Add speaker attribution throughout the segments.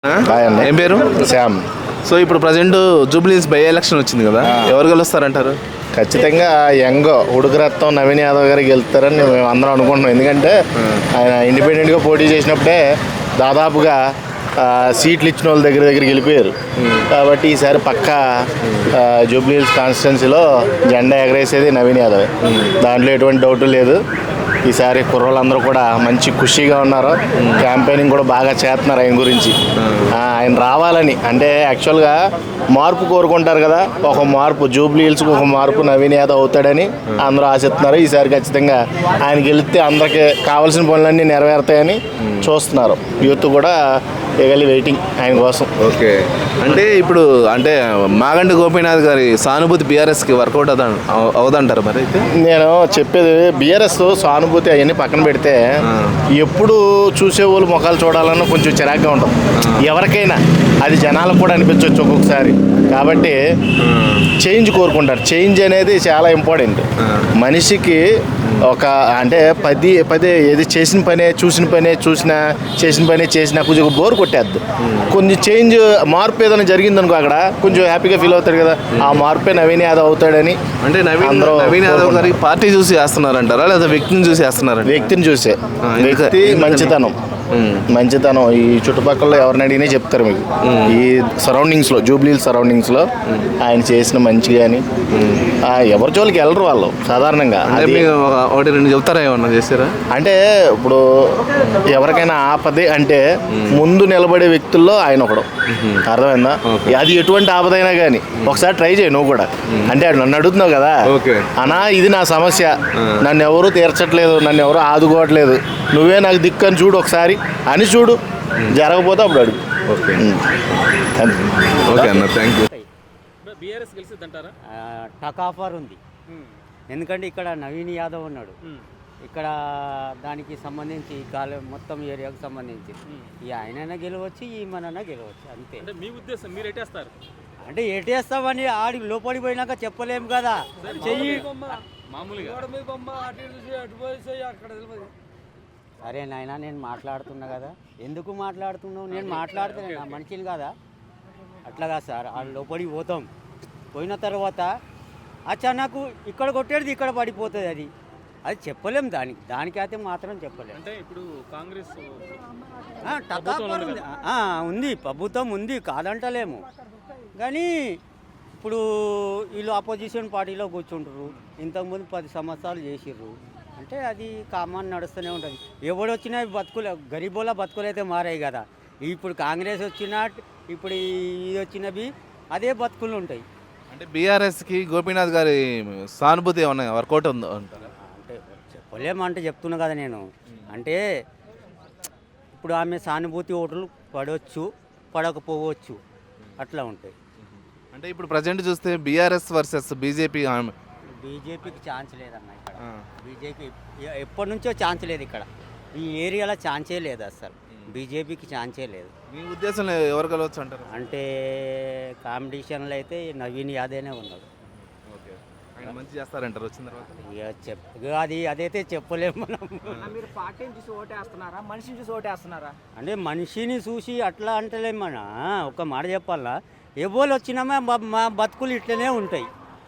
Speaker 1: Hi అన్న.
Speaker 2: ఏం పేరు?
Speaker 1: శ్యామ్.
Speaker 2: సో ఇప్పుడు ప్రజెంట్ జూబ్లీస్ బై ఎలక్షన్ వచ్చింది కదా, ఎవరు గెలుస్తారంటారు?
Speaker 1: ఖచ్చితంగా యంగ్ ఉడుకురత్తం నవీన్ యాదవ్ గారికి గెలుస్తారని మేము అందరం అనుకుంటున్నాం. ఎందుకంటే ఆయన ఇండిపెండెంట్గా పోటీ చేసినప్పుడే దాదాపుగా సీట్లు ఇచ్చిన వాళ్ళ దగ్గర గెలిపోయారు. కాబట్టి ఈసారి పక్కా జూబ్లీహిల్స్ కాన్స్టిట్యున్సీలో జెండా ఎగరేసేది నవీన్ యాదవ్. దాంట్లో ఎటువంటి డౌట్ లేదు. ఈసారి కుర్రోళ్ళందరూ కూడా మంచి ఖుషీగా ఉన్నారు. క్యాంపెయినింగ్ కూడా బాగా చేస్తున్నారు ఆయన గురించి. ఆయన రావాలని అంటే యాక్చువల్గా మార్పు కోరుకుంటారు కదా, ఒక మార్పు జూబ్లీహిల్స్కి ఒక మార్పు నవీన్ యాదవ్ అవుతాడని అందరూ ఆశిస్తున్నారు. ఈసారి ఖచ్చితంగా ఆయన గెలిస్తే అందరికీ కావాల్సిన పనులన్నీ నెరవేరుతాయని చూస్తున్నారు. యూత్ కూడా ఎగలి వెయిటింగ్ ఆయన కోసం.
Speaker 2: ఓకే, అంటే ఇప్పుడు అంటే మాగంటి గోపీనాథ్ గారి సానుభూతి బీఆర్ఎస్కి వర్కౌట్ అవుదంటారు మరి? అయితే
Speaker 1: నేను చెప్పేది బీఆర్ఎస్ సానుభూతి అవన్నీ పక్కన పెడితే ఎప్పుడు చూసేవాళ్ళు ముఖాలు చూడాలన్నా కొంచెం చిరాగ్గా ఉంటుంది ఎవరికైనా. అది జనాలకు కూడా అనిపించవచ్చు ఒక్కొక్కసారి. కాబట్టి చేంజ్ కోరుకుంటారు. చేంజ్ అనేది చాలా ఇంపార్టెంట్ మనిషికి. ఒక అంటే పదే ఏది చేసిన పనే చేసిన పనే చేసినా కొంచెం బోర్ కొట్టేద్దు. కొంచెం చేంజ్ మార్పు ఏదైనా జరిగిందనుకో అక్కడ కొంచెం హ్యాపీగా ఫీల్ అవుతాడు కదా. ఆ మార్పే నవీన్ యాదవ్ అవుతాడని.
Speaker 2: అంటే నవీన్ యాదవ్ గారికి పార్టీ చూసి వేస్తున్నారంటారా లేదా వ్యక్తిని చూసి వేస్తున్నారా?
Speaker 1: వ్యక్తిని చూసే. వ్యక్తి మంచితనం ఈ చుట్టుపక్కల ఎవరిని అడిగినా చెప్తారు మీకు. ఈ సరౌండింగ్స్లో జూబ్లీహిల్స్ సరౌండింగ్స్లో ఆయన చేసిన మంచి కానీ ఎవరి జోలికి వెళ్ళరు వాళ్ళు సాధారణంగా.
Speaker 2: ఒకటి రెండు చెప్తారా, ఏమన్నా చేస్తారా?
Speaker 1: అంటే ఇప్పుడు ఎవరికైనా ఆపదే అంటే ముందు నిలబడే వ్యక్తుల్లో ఆయన ఒకడు. అర్థమైందా? అది ఎటువంటి ఆపదైనా కానీ ఒకసారి ట్రై చేయి నువ్వు కూడా. అంటే నన్ను అడుగుతున్నావు కదా అన్నా, ఇది నా సమస్య, నన్ను ఎవరు తీర్చట్లేదు, నన్ను ఎవరు ఆదుకోవట్లేదు, నువ్వే నాకు దిక్కు అని చూడు ఒకసారి అని చూడు. జరగకపోతే అప్పుడు అడుగు.
Speaker 2: ఓకే ఓకే అన్న, థ్యాంక్ యూ.
Speaker 3: టక్ ఆఫర్ ఉంది. ఎందుకంటే ఇక్కడ నవీన్ యాదవ్ ఉన్నాడు. ఇక్కడ దానికి సంబంధించి మొత్తం ఏరియాకు సంబంధించి ఈ ఆయనైనా గెలవచ్చు, ఈ మనైనా గెలవచ్చు, అంతే.
Speaker 4: మీ ఉద్దేశం మీరు ఎట్టేస్తారు
Speaker 3: అంటే ఎటేస్తామని ఆడి లోపలికి పోయినాక చెప్పలేము కదా. చెయ్యి సరే నాయన, నేను మాట్లాడుతున్నా కదా. ఎందుకు మాట్లాడుతున్నావు? నేను మాట్లాడుతున్నా, నా మనిషిని కదా. అట్లాగా సార్, ఆ లోపలికి పోతాం. పోయిన తర్వాత అచానకు ఇక్కడ కొట్టేది ఇక్కడ పడిపోతుంది. అది చెప్పలేం. దానికైతే మాత్రం చెప్పలేము.
Speaker 4: అంటే ఇప్పుడు కాంగ్రెస్
Speaker 3: ఉంది, ప్రభుత్వం ఉంది, కాదంటలేము. కానీ ఇప్పుడు వీళ్ళు అపోజిషన్ పార్టీలో కూర్చుంటారు. ఇంతకుముందు 10 సంవత్సరాలు చేసిర్రు అంటే అది కామన్ నడుస్తూనే ఉంటుంది. ఎవడొచ్చినా గరీబోళ్ళ బతుకులు అయితే మారాయి కదా. ఇప్పుడు కాంగ్రెస్ వచ్చినా ఇప్పుడు ఇది వచ్చినవి అదే బతుకులు ఉంటాయి.
Speaker 2: అంటే బీఆర్ఎస్కి గోపీనాథ్ గారి సానుభూతి ఏమన్నా వర్కౌట్ ఉందో అంటారా?
Speaker 3: అంటే చెప్పలేమంటే చెప్తున్నా కదా నేను. అంటే ఇప్పుడు ఆమె సానుభూతి ఓట్లు పడవచ్చు, పడకపోవచ్చు, అట్లా ఉంటాయి.
Speaker 2: అంటే ఇప్పుడు ప్రజెంట్ చూస్తే బీఆర్ఎస్ వర్సెస్
Speaker 3: బీజేపీకి ఛాన్స్ లేదన్న ఇక్కడ. బీజేపీ ఎప్పటి నుంచో ఛాన్స్ లేదు ఇక్కడ. ఈ ఏరియాలో ఛాన్సే లేదు అసలు. బీజేపీకి ఛాన్సే లేదు.
Speaker 2: మీ ఉద్దేశంలో ఎవరు కలవచ్చు అంటారు?
Speaker 3: అంటే కాంపిటీషన్లో అయితే నవీన్ యాదవ్నే ఉన్నాడు.
Speaker 2: ఓకే, ఆయన మంచి చేస్తారంటారు వచ్చిన తర్వాత?
Speaker 3: ఇక అదైతే చెప్పలేము మనం.
Speaker 5: మీరు పార్టీని చూసి ఓటేస్తున్నారా, మనిషిని చూసి ఓటేస్తున్నారా?
Speaker 3: అంటే మనిషిని చూసి అట్లా అంటలేమన్న. ఒక మాట చెప్పాలా, ఎవరు వచ్చినామా మా బతుకులు ఇట్లనే ఉంటాయి.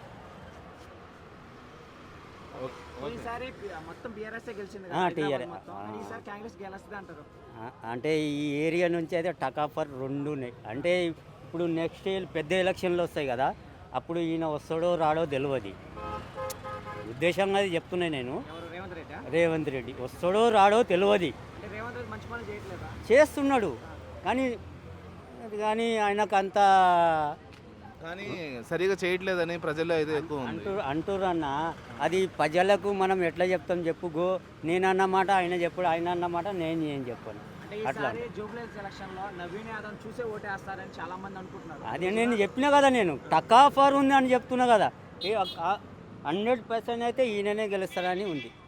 Speaker 5: ఈసారి మొత్తం బీఆర్ఎస్ గెలిచింది. ఈసారి కాంగ్రెస్ గెలుస్తుంది అంటారు.
Speaker 3: అంటే ఈ ఏరియా నుంచి అయితే టక్ ఆఫర్ 2 ఉన్నాయి. అంటే ఇప్పుడు నెక్స్ట్ పెద్ద ఎలక్షన్లు వస్తాయి కదా, అప్పుడు ఈయన వస్తాడో రాడో తెలియదు. ఉద్దేశంగా అది చెప్తున్నాయి నేను. రేవంత్ రెడ్డి వస్తాడో రాడో తెలియదు. చేస్తున్నాడు కానీ ఆయనకు అంత
Speaker 2: కానీ సరిగా చేయట్లేదని ప్రజల్లో అయితే ఎక్కువ
Speaker 3: అంటారు అన్న. అది ప్రజలకు మనం ఎట్లా చెప్తాం చెప్పు. నేను అన్నమాట ఆయన చెప్పాడు, ఆయన అన్నమాట నేను ఏం చెప్పాను. అట్లా
Speaker 5: చాలా మంది అనుకుంటున్నారు.
Speaker 3: అదే నేను చెప్పినా కదా, నేను టక్ ఆఫర్ ఉంది అని చెప్తున్నా కదా. 100% అయితే ఈయననే గెలుస్తారని ఉంది.